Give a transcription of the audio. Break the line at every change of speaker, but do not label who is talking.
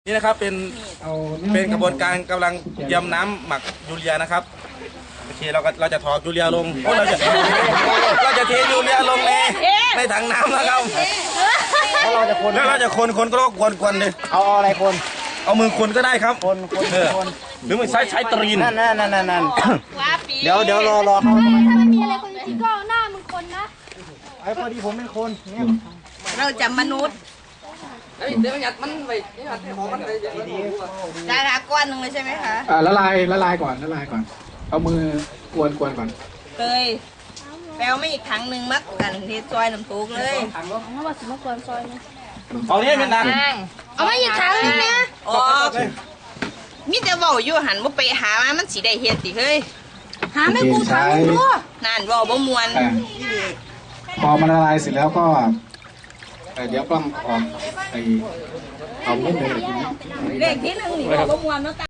นี่นะครับเป็นกระบวนการกำลังยำน้ำหมักยูเรียนะครับโอเคเราจะถอดยูเรียลงเราจะเทยูเรียลงในถังน้ำนะครับแล้วเราจะคนก็กวนเลย
เอาอะไรคน
เอามือคนก็ได้ครับ
คน
หรือไม่ใช้ตรีน
นั่นเดี๋ยวรอเขา
ถ้าไม่มีอะไรคนจริงก็เอาหน้ามึงคนนะ
ไอ้พอดีผมเป็นคนเนี่ย
เราจะมนุษย์เดี๋ยวมันไปของมันไปได้ละก้อนหนึ่งเลยใช่ไหมคะ
ละลายก่อนเอามือกวนก่อน
เลยแปลวไม่อีกถังหนึ่งมักกันที่ซอยน้ำตุกเลย
เอาว่าสิมากวนซอยนะ
เอาเนี่ยเป็นนัง
เอามาอีกครั้งนึงนะ
อ๋อมิจะบอกอยู่หันว่าไปหามันสีได้เฮ็ดสิเฮ้ย
หาไม่กูทำดู
นั่นบอกบ่มวน
พอมันละลายเสร็จแล้วก็เดี๋ยวกล้องออกเอาเม็ดเลย
เลขที่หนึ่งนี่บอกบ่มวนเนาะ